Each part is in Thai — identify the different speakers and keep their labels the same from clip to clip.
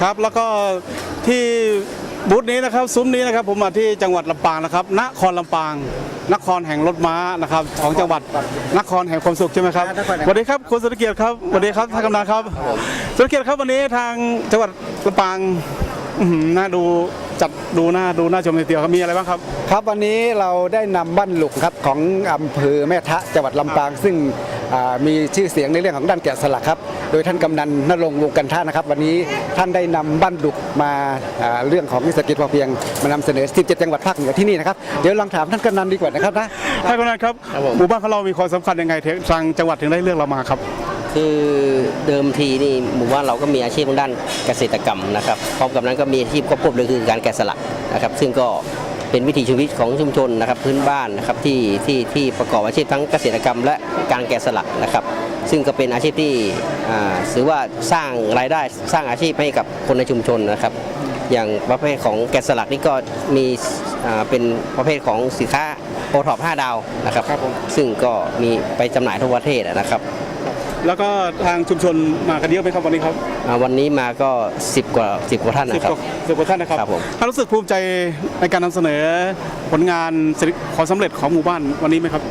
Speaker 1: ครับแล้วก็ที่บูธนี้นะครับซุ้มนี้นะครับผมมาที่จังหวัดลำปางนะครับนครลำปางนครแห่งรถม้านะครับของจังหวัดนครแห่งความสุขใช่ไหมครับสวัสดีครับคุณสุรเกียรติครับสวัสดีครับท่านกำนันครับสุรเกียรติครับวันนี้ทางจังหวัดลำปางน่าดูจัดดูน่าชมทีเดียวครับมีอะไรบ้างครับ
Speaker 2: ครับวันนี้เราได้นำบ้านหลุกครับของอำเภอแม่ทะจังหวัดลำปางซึ่งมีชื่อเสียงในเรื่องของด้านแกะสลักครับโดยท่านกำนันณรงค์วงกันท่านะครับวันนี้ท่านได้นำบ้านหลุกมาเรื่องของเศรษฐกิจพอเพียงมานำเสนอ17จังหวัดภาคเหนือที่นี่นะครับเดี๋ยวลองถามท่านกำนันดีกว่านะครับนะ
Speaker 1: ท่านกำนันครับหมู่บ้านของเรามีความสำคัญยังไงทางจังหวัดถึงได้เลือกเรามาครับ
Speaker 3: คือเดิมทีนี่หมู่บ้านเราก็มีอาชีพทางด้านเกษตรกรรมนะครับพร้อมกับนั้นก็มีอาชีพควบคู่เลยคือการแกะสลักนะครับซึ่งก็เป็นวิถีชีวิตของชุมชนนะครับพื้นบ้านนะครับที่ประกอบอาชีพทั้งเกษตรกรรมและการแกะสลักนะครับซึ่งก็เป็นอาชีพที่ถือว่าสร้างรายได้สร้างอาชีพให้กับคนในชุมชนนะครับอย่างประเภทของแกะสลักนี่ก็มีเป็นประเภทของสินค้าโอท็อป5 ดาวนะครับซึ่งก็มีไปจำหน่ายทั่วประเทศนะครับ
Speaker 1: แล้วก็ทางชุมชนมากันเยอะไหมครับวันนี้ครับ
Speaker 3: วันนี้มาก็10 กว่าท่านนะครับ
Speaker 1: 10 กว่าท่านนะครับท่านรู้สึกภูมิใจในการนำเสนอผลงานความสำเร็จของหมู่บ้านวันนี้ไหมครับ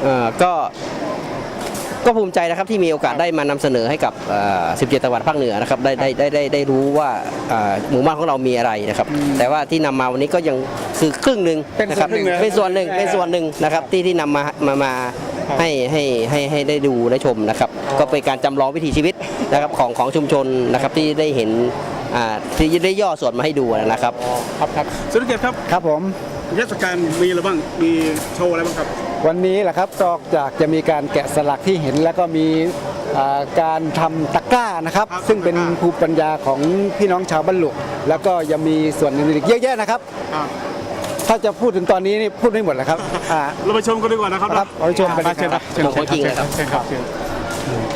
Speaker 3: ก็ภูมิใจนะครับที่มีโอกาสได้มานำเสนอให้กับ17จังหวัดภาคเหนือนะครับได้รู้ว่าหมู่บ้านของเรามีอะไรนะครับแต่ว่าที่นำมาวันนี้ก็ยังคือครึ่งหนึ่งนะครับเป็นส่วนหนึ่งนะครับที่นำมาให้ได้ดูได้ชมนะครับก็เป็นการจำลองวิถีชีวิตนะครับของชุมชนนะครับที่ได้เห็นที่ได้ย่อส่วนมาให้ดูนะครับ
Speaker 1: ครับสุรเกียรติครับ
Speaker 2: ครับผม
Speaker 1: เทศกาลมีอะไรบ้างมีโชว์อะไรบ้างครับ
Speaker 2: วันนี้แหละครับนอกจากจะมีการแกะสลักที่เห็นแล้วก็มีการทำตะกร้านะครับซึ่งเป็นภูมิปัญญาของพี่น้องชาวบ้านหลุกแล้วก็ยังมีส่วนอื่นอีกเยอะแยะนะครับถ้าจะพูดถึงตอนนี้นี่พูดไม่หมดแล้วครับ
Speaker 1: เราไปชมกันดีกว่านะครับ
Speaker 2: เราไปชมกัน
Speaker 1: เชิญครับ
Speaker 3: ของจริงเลยครับ